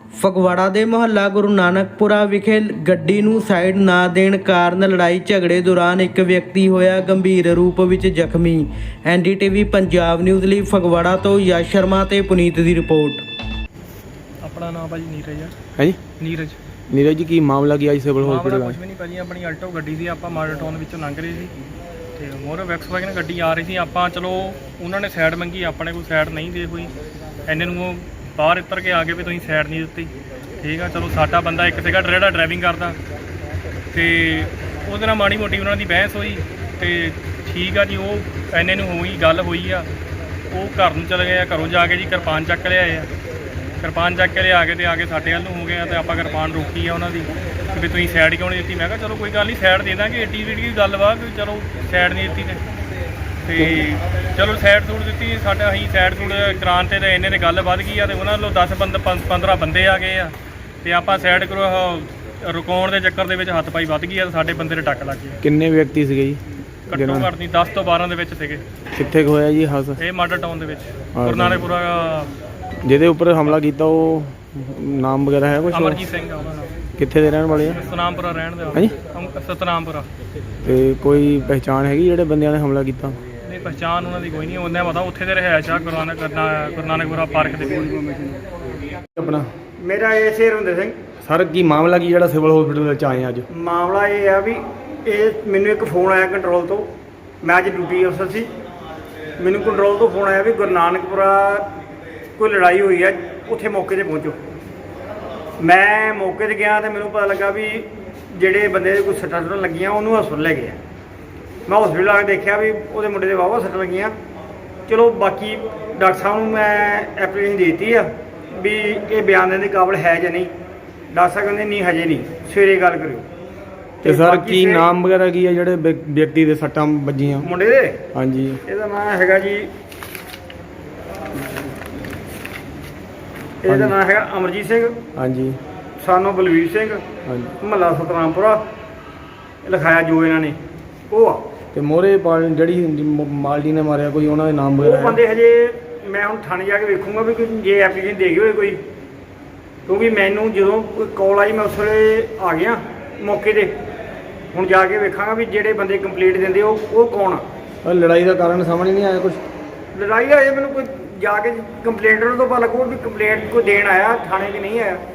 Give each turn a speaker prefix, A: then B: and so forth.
A: ਫਗਵਾੜਾ ਦੇ ਮੁਹੱਲਾ ਗੁਰੂ ਨਾਨਕਪੁਰਾ ਵਿਖੇ ਗੱਡੀ ਨੂੰ ਸਾਈਡ ਨਾ ਦੇਣ ਕਾਰਨ ਲੜਾਈ ਝਗੜੇ ਦੌਰਾਨ ਇੱਕ ਵਿਅਕਤੀ ਹੋਇਆ ਗੰਭੀਰ ਰੂਪ ਵਿੱਚ ਜ਼ਖਮੀ। ਐਨਡੀਟੀਵੀ ਪੰਜਾਬ ਨਿਊਜ਼ ਲਈ ਫਗਵਾੜਾ ਤੋਂ ਯਸ਼ ਸ਼ਰਮਾ ਤੇ ਪੁਨੀਤ ਦੀ ਰਿਪੋਰਟ।
B: ਆਪਣਾ ਨਾਮ ਭਾਜੀ ਨੀਰਜ
C: ਹੈ ਜੀ।
B: ਨੀਰਜ
C: ਜੀ ਕੀ ਮਾਮਲਾ ਕੀ ਅੱਜ ਸਿਵਲ
B: ਮਾਮਲਾ
C: ਹਸਪੀਟਲ
B: ਕੁਝ ਵੀ ਨਹੀਂ ਭਾਜੀ, ਆਪਣੀ ਆਲਟੋ ਗੱਡੀ ਸੀ, ਆਪਾਂ ਮਾਡਲ ਟਾਊਨ ਵਿੱਚੋਂ ਲੰਘ ਰਹੇ ਸੀ ਤੇ ਮੋਰ ਵੈਕਸਵਾਗਨ ਗੱਡੀ ਆ ਰਹੀ ਸੀ। ਆਪਾਂ ਚਲੋ ਉਹਨਾਂ ਨੇ ਸਾਈਡ ਮੰਗੀ, ਆਪਣੇ ਕੋਈ ਸਾਈਡ ਨਹੀਂ ਦੇ ਹੋਈ, ਇੰਨੇ ਨੂੰ ਉਹ ਬਾਹਰ ਉੱਤਰ ਕੇ ਆ ਗਏ ਵੀ ਤੁਸੀਂ ਸਾਈਡ ਨਹੀਂ ਦਿੱਤੀ। ਠੀਕ ਆ, ਚਲੋ ਸਾਡਾ ਬੰਦਾ ਇੱਕ ਸੀਗਾ ਜਿਹੜਾ ਡਰਾਈਵਿੰਗ ਕਰਦਾ ਤੇ ਉਹਦੇ ਨਾਲ ਮਾੜੀ ਮੋਟੀ ਉਹਨਾਂ ਦੀ ਬਹਿਸ ਹੋਈ ਤੇ ਠੀਕ ਆ ਜੀ, ਉਹ ਇੰਨੇ ਨੂੰ ਹੋਈ ਗੱਲ ਹੋਈ ਆ। ਉਹ ਘਰ ਨੂੰ ਚਲੇ ਗਏ ਆ, ਘਰੋਂ ਜਾ ਕੇ ਜੀ ਕਿਰਪਾਨ ਚੱਕ ਲਿਆਏ ਆ। ਕਿਰਪਾਨ ਚੱਕ ਕੇ ਲਿਆ ਕੇ ਤੇ ਆ ਕੇ ਸਾਡੇ ਵੱਲ ਨੂੰ ਹੋ ਗਿਆ ਤੇ ਆਪਾਂ ਕਿਰਪਾਨ ਰੋਕੀ ਆ ਉਹਨਾਂ ਦੀ ਵੀ ਤੁਸੀਂ ਸਾਈਡ ਕਿਉਂ ਨਹੀਂ ਦਿੱਤੀ। ਮੈਂ ਕਿਹਾ ਚਲੋ ਕੋਈ ਗੱਲ ਨਹੀਂ, ਸਾਈਡ ਦੇ ਦਾਂਗੇ, ਏਡੀ ਜਿਹੜੀ ਗੱਲ ਵਾ ਵੀ ਚਲੋ ਸਾਈਡ ਨਹੀਂ ਦਿੱਤੀ ਤੇ ਚਲੋ ਸਾਈਡ ਸੂਟ ਦਿੱਤੀ। ਸਾਡਾ ਅਸੀਂ ਸਾਈਡ ਸੂਟ ਕਰਾਉਣ ਤੇ ਇਹਨੇ ਨੇ ਗੱਲ ਵੱਧ ਗਈ ਆ ਤੇ ਉਹਨਾਂ ਵੱਲੋਂ 10-15 ਬੰਦੇ ਆ ਗਏ ਆ ਤੇ ਆਪਾਂ ਸਾਈਡ ਰੁਕਾਉਣ ਦੇ ਚੱਕਰ ਦੇ ਵਿੱਚ ਹੱਥ ਪਾਈ ਵੱਧ ਗਈ ਆ ਤੇ ਸਾਡੇ ਬੰਦੇ ਦੇ ਟੱਕ ਲੱਗ ਗਏ।
C: ਕਿੰਨੇ ਵਿਅਕਤੀ ਸੀਗੇ ਜੀ?
B: ਘੱਟੋ ਘੱਟ ਨਹੀਂ 10 ਤੋਂ 12 ਦੇ ਵਿੱਚ ਸੀਗੇ।
C: ਕਿੱਥੇ ਹੋਇਆ ਜੀ ਹਾਦਸਾ?
B: ਇਹ ਮਾਡਲ ਟਾਊਨ ਦੇ ਵਿੱਚ ਗੁਰੂ ਨਾਨਕਪੁਰਾ।
C: ਜਿਹਦੇ ਉੱਪਰ ਹਮਲਾ ਕੀਤਾ ਉਹ ਨਾਮ ਵਗੈਰਾ ਹੈ ਕੁਝ?
B: ਅਮਰਜੀਤ ਸਿੰਘ ਆ ਉਹਨਾਂ ਨਾਮ।
C: ਕਿੱਥੇ ਦੇ ਰਹਿਣ ਵਾਲੇ ਆ?
B: ਸਤਨਾਮਪੁਰਾ ਰਹਿਣ ਦੇ।
C: ਹਾਂਜੀ,
B: ਸਤਨਾਮਪੁਰਾ।
C: ਤੇ ਕੋਈ ਪਹਿਚਾਣ ਹੈਗੀ ਜਿਹੜੇ ਬੰਦਿਆਂ ਨੇ ਹਮਲਾ ਕੀਤਾ?
B: ਨਹੀਂ, ਪਹਿਚਾਣ ਉਹਨਾਂ ਦੀ ਕੋਈ ਨਹੀਂ, ਉਹਨਾਂ ਪਤਾ ਉੱਥੇ ਦੇ ਰਿਹਾਇਸ਼ ਆ ਗੁਰੂ ਨਾਨਕਪੁਰਾ ਪਾਰਕ ਦੇ ਕੋਲ।
C: ਆਪਣਾ
D: ਮੇਰਾ ਇਹ ਹਰਿੰਦਰ ਸਿੰਘ।
C: ਸਰ ਕੀ ਮਾਮਲਾ ਕੀ ਜਿਹੜਾ ਸਿਵਲ ਹਸਪੀਟਲ ਵਿੱਚ ਆਏ ਅੱਜ?
D: ਮਾਮਲਾ ਇਹ ਆ ਵੀ ਇਹ ਮੈਨੂੰ ਇੱਕ ਫੋਨ ਆਇਆ ਕੰਟਰੋਲ ਤੋਂ। ਮੈਂ ਅੱਜ ਡਿਊਟੀ ਅਫਸਰ ਸੀ, ਮੈਨੂੰ ਕੰਟਰੋਲ ਤੋਂ ਫੋਨ ਆਇਆ ਵੀ ਗੁਰੂ ਨਾਨਕਪੁਰਾ ਕੋਈ ਲੜਾਈ ਹੋਈ ਹੈ, ਉੱਥੇ ਮੌਕੇ 'ਤੇ ਪਹੁੰਚੋ। ਮੈਂ ਮੌਕੇ 'ਤੇ ਗਿਆ ਤੇ ਮੈਨੂੰ ਪਤਾ ਲੱਗਾ ਵੀ ਜਿਹੜੇ ਬੰਦੇ ਦੇ ਕੋਈ ਸੱਟਾਂ ਸੁੱਟਾਂ ਲੱਗੀਆਂ ਉਹਨੂੰ ਹਸਪਤਾਲ ਲੈ ਗਏ ਆ। ਮੈਂ ਹਸਪਤਾਲ ਆ ਕੇ ਦੇਖਿਆ ਵੀ ਉਹਦੇ ਮੁੰਡੇ ਦੇ ਵਾਹਵਾ ਸੱਟਾਂ ਲੱਗੀਆਂ। ਚਲੋ ਬਾਕੀ ਡਾਕਟਰ ਸਾਹਿਬ ਨੂੰ ਮੈਂ ਐਪਲੀਕੇਸ਼ਨ ਦੇ ਦਿੱਤੀ ਆ ਵੀ ਇਹ ਬਿਆਨ ਦੇਣ ਦੇ ਕਾਬਲ ਹੈ ਜਾਂ ਨਹੀਂ। ਡਾਕਟਰ ਸਾਹਿਬ ਕਹਿੰਦੇ ਨਹੀਂ ਹਜੇ ਨਹੀਂ, ਸਵੇਰੇ ਗੱਲ ਕਰਿਓ।
C: ਤੇ ਸਰ ਕੀ ਨਾਮ ਵਗੈਰਾ ਕੀ ਹੈ ਜਿਹੜੇ ਵਿਅਕਤੀ ਦੇ ਸੱਟਾਂ ਵੱਜੀਆਂ
D: ਮੁੰਡੇ ਦੇ?
C: ਹਾਂਜੀ,
D: ਇਹਦਾ ਨਾਮ ਹੈਗਾ ਜੀ, ਇਹਦਾ ਨਾਮ ਹੈਗਾ ਅਮਰਜੀਤ ਸਿੰਘ।
C: ਹਾਂਜੀ,
D: ਸਾਨੂੰ ਬਲਵੀਰ ਸਿੰਘ,
C: ਹਾਂਜੀ।
D: ਮਹੱਲਾ ਸਤਨਾਮਪੁਰਾ ਲਿਖਾਇਆ ਜੋ ਇਹਨਾਂ ਨੇ ਉਹ ਆ।
C: ਤੇ ਮੋਰੇ ਜਿਹੜੀ ਮਾਲਡੀ ਨੇ ਮਾਰਿਆ ਕੋਈ ਉਹਨਾਂ ਦੇ ਨਾਮ ਵਗੈਰਾ
D: ਉਹ ਬੰਦੇ ਹਜੇ ਮੈਂ ਹੁਣ ਥਾਣੇ ਜਾ ਕੇ ਵੇਖੂੰਗਾ ਵੀ ਜੇ ਐਪਲੀਕੇਸ਼ਨ ਦੇ ਗਏ ਹੋਏ ਕੋਈ, ਕਿਉਂਕਿ ਮੈਨੂੰ ਜਦੋਂ ਕਾਲ ਆਈ ਮੈਂ ਉਸ ਵੇਲੇ ਆ ਗਿਆ ਮੌਕੇ 'ਤੇ। ਹੁਣ ਜਾ ਕੇ ਵੇਖਾਂਗਾ ਵੀ ਜਿਹੜੇ ਬੰਦੇ ਕੰਪਲੀਟ ਦਿੰਦੇ ਉਹ ਕੌਣ ਆ।
C: ਲੜਾਈ ਦਾ ਕਾਰਨ ਸਾਹਮਣੇ ਨਹੀਂ ਆਇਆ ਕੁਝ?
D: ਲੜਾਈ ਦਾ ਇਹ ਮੈਨੂੰ ਕੋਈ ਜਾ ਕੇ ਕੰਪਲੇਂਟਰ ਤੋਂ ਪਤਾ ਲੱਗੂ ਵੀ ਕੰਪਲੇਂਟ ਕੋਈ ਦੇਣ ਆਇਆ ਥਾਣੇ 'ਚ, ਨਹੀਂ ਆਇਆ।